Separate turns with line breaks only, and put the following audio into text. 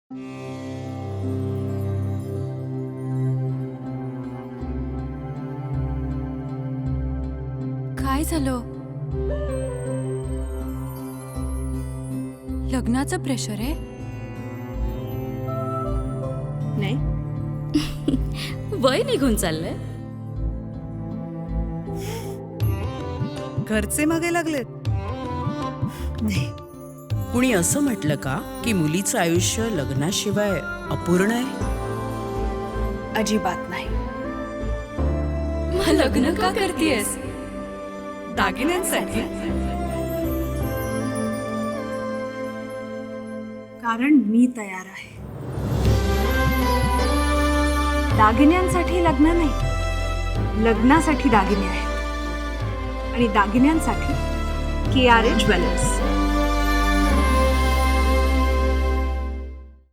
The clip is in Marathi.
काय झालं? लग्नाचं प्रेशर आहे?
नाही,
वय निघून चाललंय.
घरचे मागे लागलेत. नाही,
कुणी असं म्हटलं का की मुलीचं आयुष्य लग्नाशिवाय अपूर्ण आहे?
अजिबात नाही.
मग लग्न का करतेयस?
दागिन्यांसाठी. कारण मी तयार आहे. दागिन्यांसाठी लग्न नाही, लग्नासाठी दागिने आहेत आणि दागिन्यांसाठी KRA ज्वेलर्स.